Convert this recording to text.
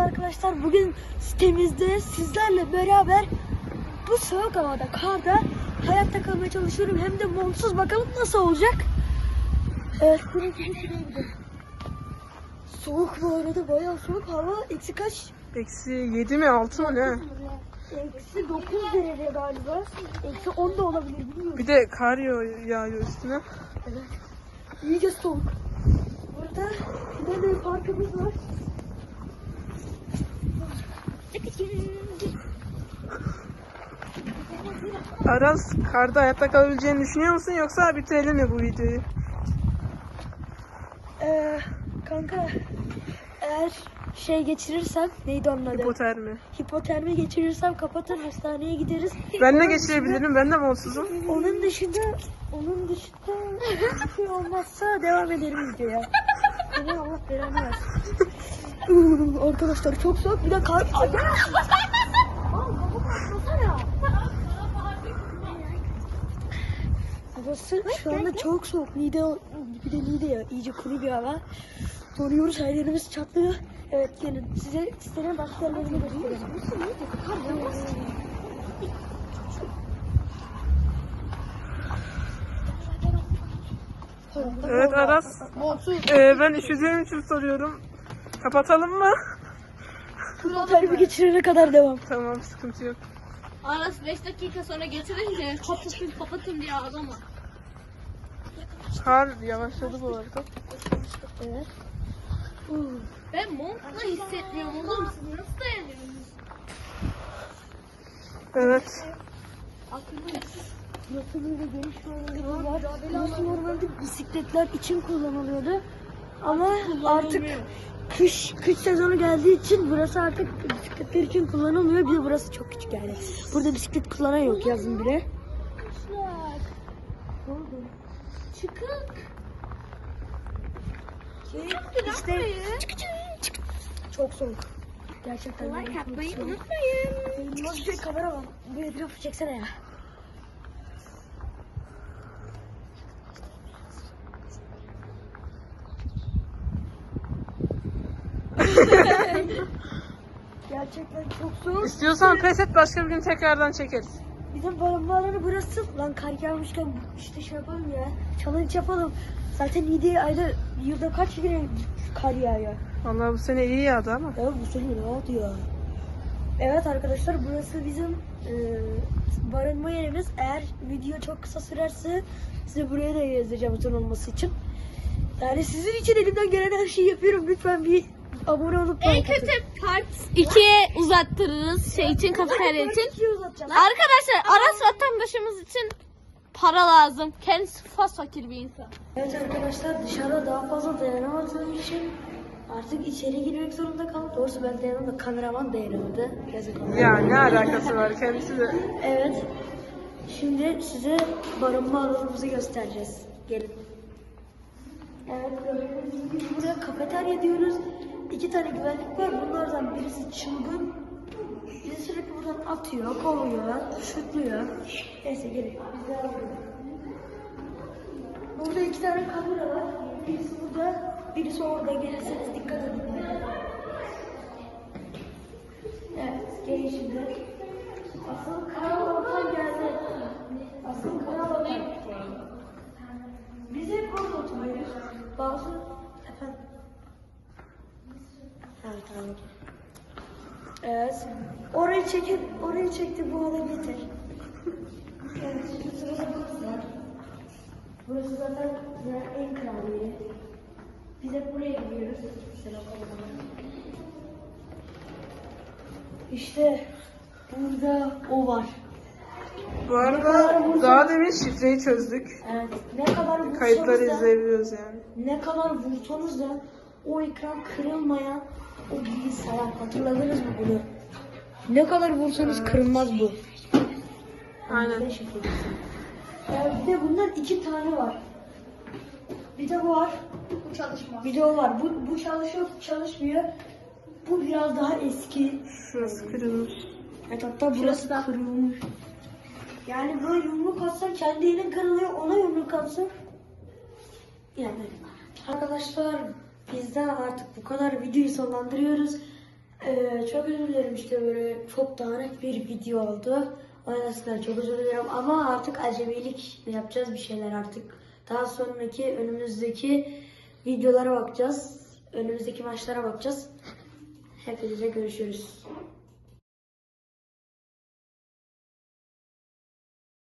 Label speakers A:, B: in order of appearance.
A: arkadaşlar, bugün sitemizde sizlerle beraber bu soğuk havada, karda hayatta kalmaya çalışıyorum. Hem de montsuz, bakalım nasıl olacak. Evet, soğuk bu arada, bayağı soğuk. Hava eksi kaç?
B: Eksi 7 mi 6 mı ne?
A: Eksi 9 derece galiba. Eksi 10 da olabilir, bilmiyorum.
B: Bir de kar yağıyor üstüne.
A: Evet. İyice soğuk. Burada böyle bir parkımız var.
B: Aras, karda hayatta kalabileceğini düşünüyor musun yoksa bitirelim mi bu videoyu?
A: Kanka, eğer şey geçirirsem, neydi onun adı?
B: Hipotermi.
A: Hipotermi geçirirsem kapatır, hastaneye gideriz.
B: Ben de geçirebilirim, ben de montsuzum.
A: Onun dışında bir şey olmazsa devam ederim videoya. Seni Allah belanı versin. Arkadaşlar çok soğuk, bir de kar. Ay, gel. Havası şu anda çok soğuk. Bir de Niğde ya, iyice kuru bir hava. Donuyoruz, her yerimiz çatlıyor. Evet, gelin size sitenin başka yerlerini göstereyim.
B: Evet Aras, ben üşüdüğüm için soruyorum. Kapatalım mı?
A: Hipotermi geçirene kadar devam.
B: Tamam, sıkıntı yok.
C: Aras 5 dakika sonra getirince kapatın diye ağlama.
B: Kar yavaşladı bu arada.
A: Evet.
C: Ben montla hissetmiyorum oğlum, siz nasıl dayanıyorsunuz?
B: Evet.
A: Nasıl böyle geniş yolları var. Burası normalde bisikletler için kullanılıyordu. Ama artık kış sezonu geldiği için burası artık bisikletler için kullanılmıyor. Bir de burası çok küçük yani. Burada bisiklet kullanan yok yazın bile. Ne oldu?
C: Çıkık.
A: İşte çok soğuk. Gerçekten.
C: Like atmayı unutmayın.
A: Nasıl bir kamera var? Bir etrafı çeksene ya. Gerçekten çok soğuk.
B: İstiyorsan pes et, başka bir gün tekrardan çekeriz.
A: Bizim barınma burası. Lan kar yağmışken işte şey yapalım ya. Challenge yapalım. Zaten yılda kaç kere kar yağıyor.
B: Vallahi bu sene iyi yağdı ama.
A: Ya bu sene rahat ya. Evet arkadaşlar, burası bizim barınma yerimiz. Eğer video çok kısa sürerse size buraya da yazacağım buton olması için. Yani sizin için elimden gelen her şeyi yapıyorum. Lütfen bir abone olup
C: En
A: like atın.
C: kötü part 2'ye uzattırırız şey için, kafeterya için.
A: Şey uzatacağım.
C: Arkadaşlar Aras vatandaşımız için para lazım. Kendisi fakir bir insan.
A: Evet arkadaşlar, dışarıda daha fazla dayanamadığım için artık içeri girmek zorunda kaldım. Doğrusu ben dayanamadım da kameraman dayanamadı. Yazık oldu.
B: Ya ne alakası var, kendisi de.
A: Evet. Şimdi size barınma alanımızı göstereceğiz. Gelin. Evet, gördüğünüz gibi buraya kafeterya diyoruz. 2 tane güvenlik var. Bunlardan birisi çılgın. Bizi sürekli buradan atıyor, kovuyor, şutluyor. Neyse gelin. Biz devam edelim. Burada 2 tane kamera var. Birisi burada, birisi orada. Gelirseniz dikkat edin. Evet, gelin şimdi. Asıl karal ortam geldi. Asıl karal ortam. Biz hep orada oturuyoruz. Bazı efendim. Evet, tamam. Evet. Orayı çekti, bu hale getir. Evet, şimdi sırada burası var. Burası zaten en kral yeri. Biz hep buraya gidiyoruz. İşte burada o var.
B: Bu arada daha demin şifreyi çözdük.
A: Evet. Ne kadar vursanız
B: Kayıtları
A: da,
B: izleyebiliyoruz yani.
A: ne kadar vursanız da o ekran kırılmayan o bilgisayar. Hatırladınız mı bunu? Ne kadar vursanız kırılmaz bu.
B: Aynen.
A: Bir de bundan 2 tane var. Bir de bu var.
C: Bu çalışmaz.
A: Bir de o var. Bu çalışmıyor. Bu biraz daha eski.
B: Şurası kırılmış.
A: Evet, hatta burası da kırılmış. Yani böyle yumruk atsan kendi elin kırılıyor, ona yumruk atsan. Yani arkadaşlar, bizden artık bu kadar, videoyu sonlandırıyoruz. Çok özür dilerim işte böyle çok dağınık bir video oldu. O yüzden çok özür dilerim ama artık acemilik yapacağız bir şeyler artık. Daha sonraki önümüzdeki videolara bakacağız. Önümüzdeki maçlara bakacağız. Hepinize görüşürüz.